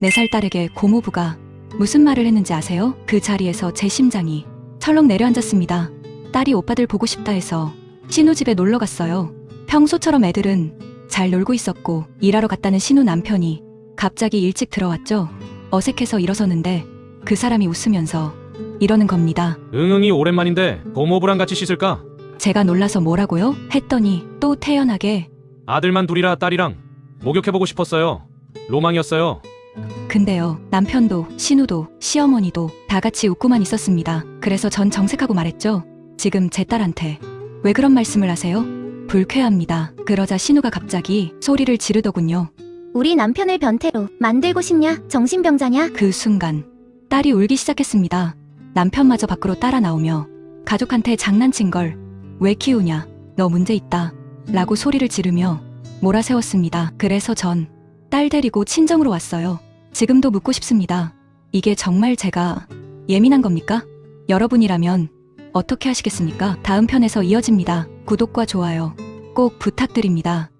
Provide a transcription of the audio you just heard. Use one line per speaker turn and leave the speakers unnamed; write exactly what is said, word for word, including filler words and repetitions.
네 살 딸에게 고모부가 무슨 말을 했는지 아세요? 그 자리에서 제 심장이 철렁 내려앉았습니다. 딸이 오빠들 보고 싶다 해서 신우 집에 놀러 갔어요. 평소처럼 애들은 잘 놀고 있었고 일하러 갔다는 신우 남편이 갑자기 일찍 들어왔죠. 어색해서 일어서는데 그 사람이 웃으면서 이러는 겁니다.
응응이 오랜만인데 고모부랑 같이 씻을까?
제가 놀라서 뭐라고요? 했더니 또 태연하게
아들만 둘이라 딸이랑 목욕해보고 싶었어요. 로망이었어요.
근데요, 남편도 신우도 시어머니도 다 같이 웃고만 있었습니다. 그래서 전 정색하고 말했죠. 지금 제 딸한테 왜 그런 말씀을 하세요? 불쾌합니다. 그러자 신우가 갑자기 소리를 지르더군요.
우리 남편을 변태로 만들고 싶냐? 정신병자냐?
그 순간 딸이 울기 시작했습니다. 남편마저 밖으로 따라 나오며 가족한테 장난친 걸 왜 키우냐? 너 문제 있다. 라고 소리를 지르며 몰아세웠습니다. 그래서 전 딸 데리고 친정으로 왔어요. 지금도 묻고 싶습니다. 이게 정말 제가 예민한 겁니까? 여러분이라면 어떻게 하시겠습니까? 다음 편에서 이어집니다. 구독과 좋아요 꼭 부탁드립니다.